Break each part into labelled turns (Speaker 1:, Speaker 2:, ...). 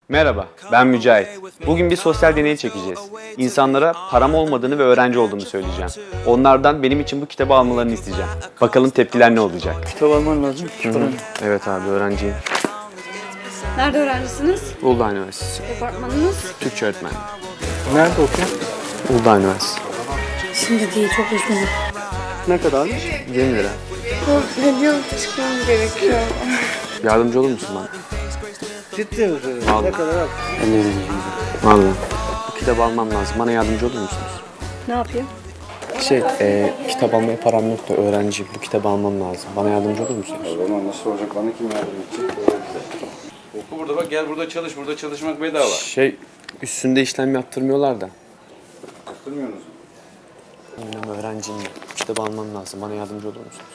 Speaker 1: Merhaba, ben Mücahit. Bugün bir sosyal deney çekeceğiz. İnsanlara param olmadığını ve öğrenci olduğumu söyleyeceğim. Onlardan benim için bu kitabı almalarını isteyeceğim. Bakalım tepkiler ne olacak?
Speaker 2: Kitap alman lazım.
Speaker 1: Evet abi, öğrenciyim.
Speaker 3: Nerede öğrencisiniz?
Speaker 1: Uludağ Üniversitesi.
Speaker 3: Departmanınız?
Speaker 1: Türkçe öğretmeni.
Speaker 2: Nerede okuyor?
Speaker 1: Uludağ Üniversitesi.
Speaker 3: Şimdi değil, çok üzgünüm.
Speaker 2: Ne kadar?
Speaker 1: 20 lira.
Speaker 3: Hediye çıkmam gerekiyor.
Speaker 1: Yardımcı olur musun bana?
Speaker 2: Ciddi misin?
Speaker 1: Vallahi.
Speaker 2: Ne kadar al?
Speaker 1: Vallahi. Bu kitabı almam lazım. Bana yardımcı olur musunuz?
Speaker 3: Ne yapayım?
Speaker 1: Kitap almaya param yok da öğrenciyim. Bu kitabı almam lazım. Bana yardımcı olur musunuz?
Speaker 4: Ama nasıl olacak, bana kim yardım edecek? Oku burada bak, gel burada çalış, burada çalışmak bedava.
Speaker 1: Üstünde işlem yaptırmıyorlar da.
Speaker 4: Yaptırmıyorsunuz mu?
Speaker 1: Benim öğrenciyim. Bu kitabı almam lazım. Bana yardımcı olur musunuz?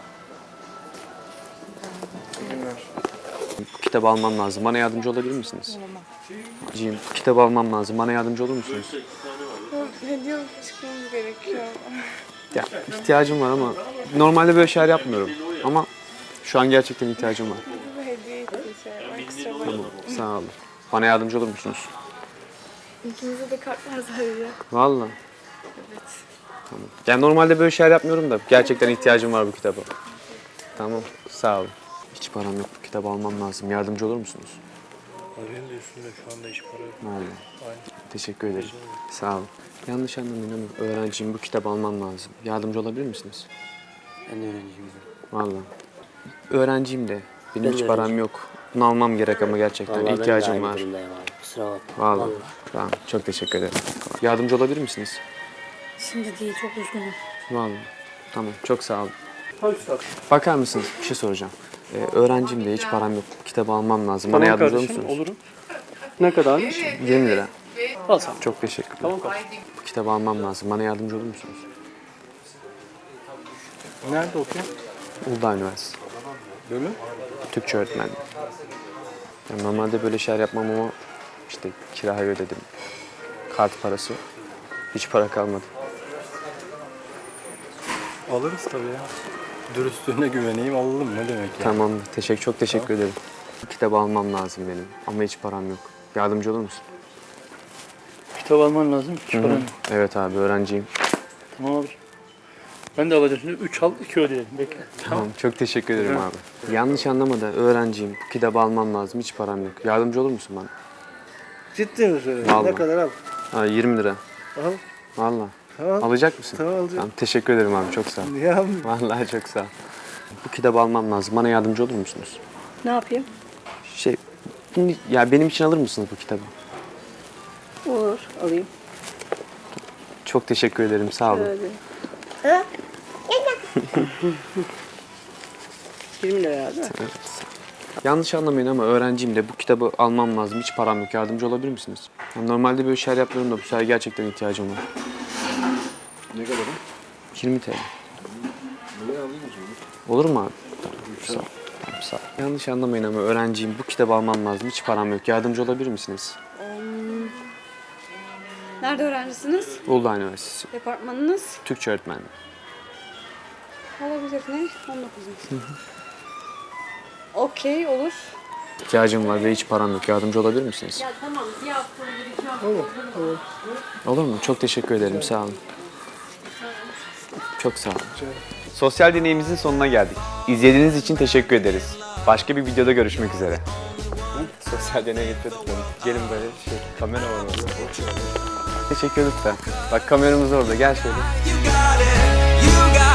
Speaker 1: Bu kitabı almam lazım. Bana yardımcı olabilir misiniz? Öğrenciyim. Bu kitabı almam lazım. Bana yardımcı olur musunuz?
Speaker 3: Hediye çıkmam gerekiyor.
Speaker 1: Ya ihtiyacım var ama normalde böyle şeyler yapmıyorum. Ama şu an gerçekten ihtiyacım var.
Speaker 3: Bu hediye için ekstra var.
Speaker 1: Tamam, sağ olun. Bana yardımcı olur musunuz?
Speaker 3: İkimize de kartlar zararıyor.
Speaker 1: Vallahi.
Speaker 3: Evet.
Speaker 1: Tamam. Yani normalde böyle şeyler yapmıyorum da gerçekten ihtiyacım var bu kitaba. Tamam, sağ olun. Hiç param yok. Bu kitabı almam lazım. Yardımcı olur musunuz?
Speaker 2: Arayın da üstünde şu anda hiç para yok.
Speaker 1: Vallahi. Teşekkür ederim. Sağ olun. Yanlış anlamayın ama öğrenciyim. Bu kitabı almam lazım. Yardımcı olabilir misiniz?
Speaker 2: Ben de öğrenciyim.
Speaker 1: Vallahi. Öğrenciyim de. Benim
Speaker 2: Ben
Speaker 1: hiç
Speaker 2: de
Speaker 1: param
Speaker 2: öğrenciyim.
Speaker 1: yok. Bunu almam gerek ama gerçekten ihtiyacım var.
Speaker 2: Kusura bakma.
Speaker 1: Vallahi. Tamam, çok teşekkür ederim. Yardımcı olabilir misiniz?
Speaker 3: Şimdi değil, çok üzgünüm.
Speaker 1: Vallahi. Tamam, çok sağ olun. Bakar mısınız? Bir şey soracağım. Öğrenciyim de hiç param yok. Kitabı almam lazım. Bana yardımcı olur musunuz?
Speaker 2: Olurum. Ne kadar?
Speaker 1: 20 lira.
Speaker 2: Al sen.
Speaker 1: Çok teşekkürler.
Speaker 2: Tamam kardeşim.
Speaker 1: Bu kitabı almam lazım. Bana yardımcı olur musunuz?
Speaker 2: Nerede okuyor?
Speaker 1: Uludağ Üniversitesi.
Speaker 2: Bölüm?
Speaker 1: Türkçe öğretmenliği. Yani normalde böyle şeyler yapmam ama işte kirayı ödedim. Kart parası. Hiç para kalmadı.
Speaker 2: Alırız tabii ya. Dürüstlüğüne güveneyim alalım ne demek ya.
Speaker 1: Tamam. Çok teşekkür ederim. Bu kitabı almam lazım benim. Ama hiç param yok. Yardımcı olur musun?
Speaker 2: Kitap alman lazım. Hiç paran yok.
Speaker 1: Evet abi, öğrenciyim.
Speaker 2: Tamam abi. Ben de alacağım şimdi. 3 al 2 ödeyelim. Bekle.
Speaker 1: Tamam. Çok teşekkür ederim abi. Yanlış anlama da öğrenciyim. Bu kitabı almam lazım. Hiç param yok. Yardımcı olur musun bana?
Speaker 2: Ciddi misin?
Speaker 1: Vallahi.
Speaker 2: Ne kadar al?
Speaker 1: 20 lira.
Speaker 2: Al.
Speaker 1: Vallahi.
Speaker 2: Tamam.
Speaker 1: Alacak mısın?
Speaker 2: Tamam, alacağım.
Speaker 1: Tamam, teşekkür ederim abi. Çok sağ ol.
Speaker 2: Ya
Speaker 1: Vallahi çok sağ ol. Bu kitabı almam lazım. Bana yardımcı olur musunuz?
Speaker 3: Ne yapayım?
Speaker 1: Ya benim için alır mısınız bu kitabı?
Speaker 3: Olur, alayım.
Speaker 1: Çok teşekkür ederim. Sağ olun.
Speaker 3: Öyle. 20 lira abi.
Speaker 1: Yanlış anlamayın ama öğrenciyim de bu kitabı almam lazım. Hiç param yok. Yardımcı olabilir misiniz? Yani normalde böyle şeyler yapmıyorum da bu sefer gerçekten ihtiyacım var.
Speaker 4: Ne kadar?
Speaker 1: 20 TL.
Speaker 4: Buraya alayım o zaman.
Speaker 1: Olur mu abi? Tamam, sağ ol. Tamam, sağ ol. Yanlış anlamayın ama öğrenciyim. Bu kitabı almam lazım. Hiç param yok. Yardımcı olabilir misiniz?
Speaker 3: Nerede öğrencisiniz?
Speaker 1: Uludağ Üniversitesi.
Speaker 3: Departmanınız?
Speaker 1: Türkçe öğretmenliği.
Speaker 3: Olabilir ne? 19. Okey, olur.
Speaker 1: İhtiyacım var ve hiç param yok. Yardımcı olabilir misiniz? Olur mu? Çok teşekkür ederim. Sağ olun. Çok sağ olun. Sosyal deneyimizin sonuna geldik. İzlediğiniz için teşekkür ederiz. Başka bir videoda görüşmek üzere. Sosyal deneye getirdik onu. Gelin böyle kamera var orada. Teşekkür lütfen. Bak kameramız orada. Gel şöyle.
Speaker 5: You got it, you got